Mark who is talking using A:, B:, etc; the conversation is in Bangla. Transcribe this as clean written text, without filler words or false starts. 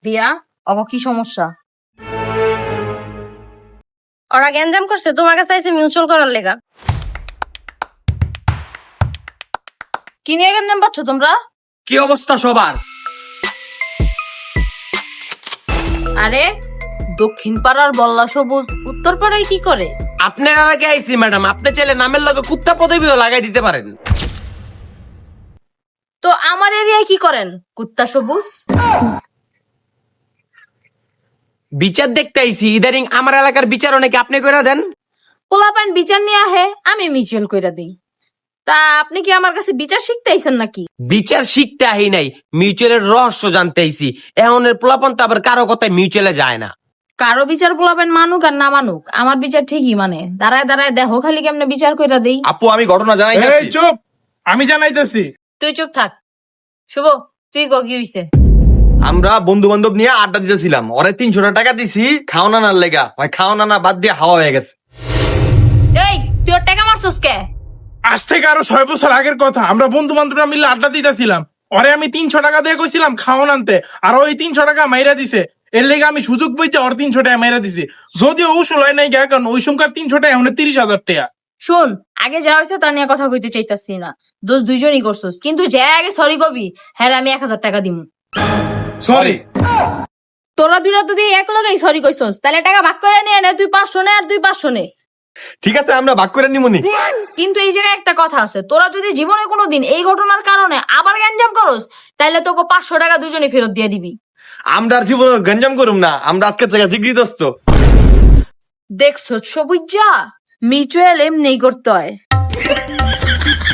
A: দিয়া অগ কি সমস্যা? ওরা গ্যাঞ্জাম করছে, তোমাকে চাইছে মিউচুয়াল করার লেগা। কি নিয়ে গ্যাঞ্জাম পাচ্ছ তোমরা?
B: কি অবস্থা সবার?
A: আরে দক্ষিণ পাড়ার বল্লা সবুজ উত্তর পাড়ায় কি করে?
B: আপনার এলাকায় আইছি ম্যাডাম, আপনি চাইলে নামের লগে কুত্তা পদবিও লাগাই দিতে পারেন।
A: তো আমার এরিয়ায় কি করেন কুত্তা সবুজ?
B: বিচার দেখতে আইছি, ইদারিং আমার এলাকার বিচার অনেকে আপনি কইরা দেন।
A: পোলাপান বিচার নিয়ে আহে, আমি মিউচুয়াল কইরা দিই। তা আপনি কি আমার কাছে বিচার শিখতে আইছেন নাকি?
B: বিচার শিখতে আহি নাই, মিউচুয়ালের রহস্য জানতে আইছি। এমনের পোলাপন তো আবার কারো কথায় মিউচুয়ালে যায় না।
A: কারো বিচার পোলাপান মানুক আর না মানুক, আমার বিচার ঠিকই মানে। দাঁড়ায় দাঁড়ায় দেখো খালি কেমনে বিচার কইরা দেই।
C: আপু আমি ঘটনা জানাইতেছি।
D: এই চুপ, আমি জানাইতেছি।
A: তুই চুপ থাক। শুভ, তুই কি হইছে?
C: আমরা বন্ধু বান্ধব নিয়ে আড্ডা দিতেছিলাম, ওরে 300 টাকা দিছি খাওনা নার লেগা, ভাই খাওনা না বাদ দিয়ে হাওয়া হয়ে গেছে।
A: এই তুই ওর টাকা মারছস কে?
D: আজ থেকে আরো 6 বছর আগের কথা, আমরা বন্ধু বান্ধবরা মিলে আড্ডা দিতেছিলাম। ওরে আমি 300 টাকা দিয়ে কইছিলাম খাওয়ান আনতে, আর ওই 300 টাকা মাইরা দিছে। এর লেগে আমি সুযোগ বইতে ওর 300 টাকা মাইরা দিছি। যদিও উসুল হয় নাই গা, কারণ ওই সংখ্যার 300 টাকা এখন 30,000 টাকা।
A: শোন, আগে যা হয়েছে তা নিয়ে কথা কইতে চাইতাছি না। দোষ দুইজনই করছস, কিন্তু যে আগে সরি কবি, হ্যাঁ আমি 1000 টাকা দিমু।
D: সরি।
A: তোরা দুইটা যদি এক লগেই সরি কইছস, তাহলে টাকা ভাগ করে নিয়ে নে। তুই 500 নে আর তুই 500 নে।
C: ঠিক আছে আমরা ভাগ করে নিমুনি।
A: কিন্তু এই জায়গায় একটা কথা আছে, তোরা যদি জীবনে কোনোদিন এই ঘটনার কারণে আবার গ্যাঞ্জাম করস, তাহলে তোকে 500 টাকা দুজনে ফেরত দিয়ে দিবি।
C: আমরা আর জীবনে গঞ্জাম করুম না, আমরা আজকে থেকে জিগরিদস্ত।
A: দেখছো সবুজ, যা মিউচুয়াল এমনি করতে হয়।